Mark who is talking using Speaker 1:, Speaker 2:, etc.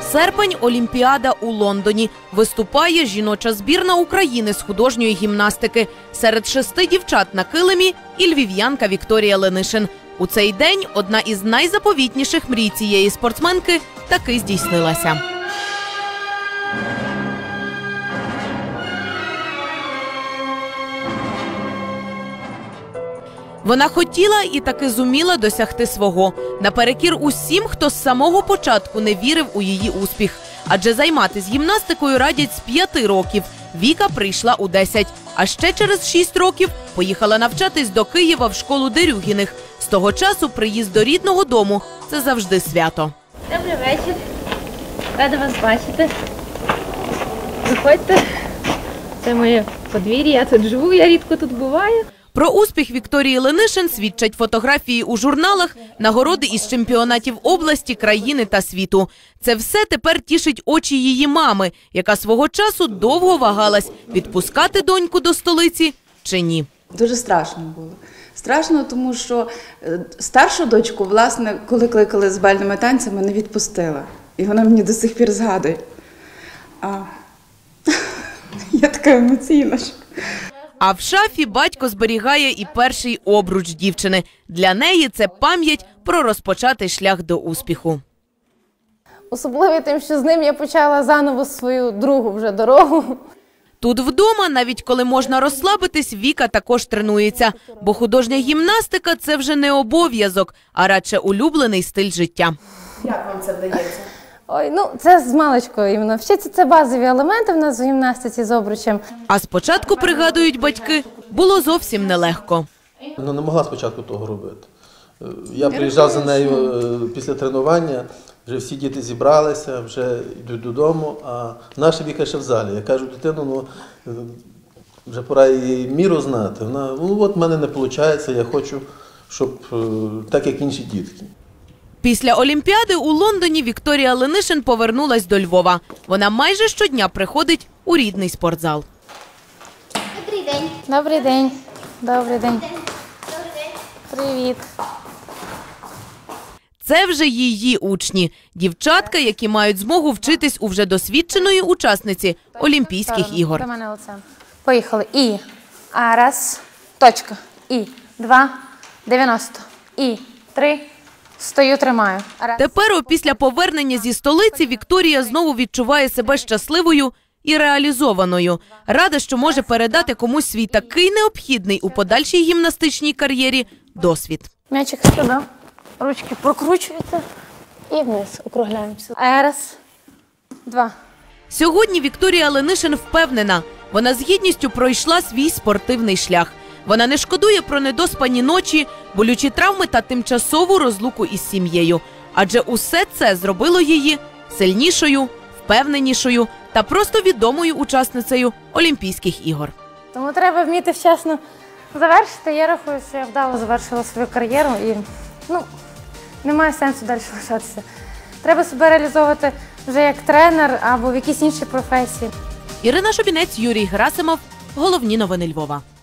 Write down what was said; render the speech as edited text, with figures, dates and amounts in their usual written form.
Speaker 1: Серпень – Олімпіада у Лондоні. Виступає жіноча збірна України з художньої гімнастики. Серед 6 дівчат на килимі і львів'янка Вікторія Ленишин. У цей день одна із найзаповітніших мрій цієї спортсменки таки здійснилася. Вона хотіла і таки зуміла досягти свого. Наперекір усім, хто з самого початку не вірив у її успіх. Адже займатися гімнастикою радять з 5 років. Віка прийшла у 10. А ще через 6 років поїхала навчатись до Києва в школу Дерюгіних. З того часу приїзд до рідного дому – це завжди свято.
Speaker 2: Добрий вечір. Рада вас бачити. Заходьте. Це моє подвір'я, я тут живу, я рідко тут буваю.
Speaker 1: Про успіх Вікторії Ленишин свідчать фотографії у журналах, нагороди із чемпіонатів області, країни та світу. Це все тепер тішить очі її мами, яка свого часу довго вагалась, відпускати доньку до столиці чи ні.
Speaker 3: Дуже страшно було. Страшно, тому що старшу дочку, власне, коли кликали з бальними танцями, не відпустила. І вона мені до сих пір згадує. Я така емоційна.
Speaker 1: А в шафі батько зберігає і перший обруч дівчини. Для неї це пам'ять про розпочатий шлях до успіху.
Speaker 2: Особливо тим, що з ним я почала заново свою другу вже дорогу.
Speaker 1: Тут вдома, навіть коли можна розслабитись, Віка також тренується. Бо художня гімнастика – це вже не обов'язок, а радше улюблений стиль життя.
Speaker 3: Як вам це вдається?
Speaker 2: Ой, це з маличкою іменно. Вчиться, це базові елементи в нас в гімнастиці з обручем.
Speaker 1: А спочатку, пригадують батьки, було зовсім нелегко.
Speaker 4: Вона не могла спочатку того робити. Я приїжджав за нею після тренування, вже всі діти зібралися, вже йдуть додому, а наша Віка ще в залі. Я кажу, дитину, вже пора її міру знати. Вона, от в мене не виходить, я хочу, щоб так, як інші дітки.
Speaker 1: Після Олімпіади у Лондоні Вікторія Ленишин повернулась до Львова. Вона майже щодня приходить у рідний спортзал.
Speaker 2: Добрий день. Добрий день. Добрий день. Привіт.
Speaker 1: Це вже її учні. Дівчатка, які мають змогу вчитись у вже досвідченої учасниці Олімпійських ігор.
Speaker 2: Поїхали. І. Раз. Точка. І. 2. 90. І. 3. Стою, тримаю.
Speaker 1: Тепер, після повернення зі столиці, Вікторія знову відчуває себе щасливою і реалізованою. Рада, що може передати комусь свій такий необхідний у подальшій гімнастичній кар'єрі досвід.
Speaker 2: М'ячик сюди, ручки прокручуєте і вниз округляємося. Раз, два.
Speaker 1: Сьогодні Вікторія Ленишин впевнена, вона з гідністю пройшла свій спортивний шлях. Вона не шкодує про недоспані ночі, болючі травми та тимчасову розлуку із сім'єю. Адже усе це зробило її сильнішою, впевненішою та просто відомою учасницею Олімпійських ігор.
Speaker 2: Тому треба вміти вчасно завершити. Я рахую, що я вдало завершила свою кар'єру і немає сенсу далі лишатися. Треба себе реалізовувати вже як тренер або в якійсь іншій професії.
Speaker 1: Ірина Шубінець, Юрій Герасимов. Головні новини Львова.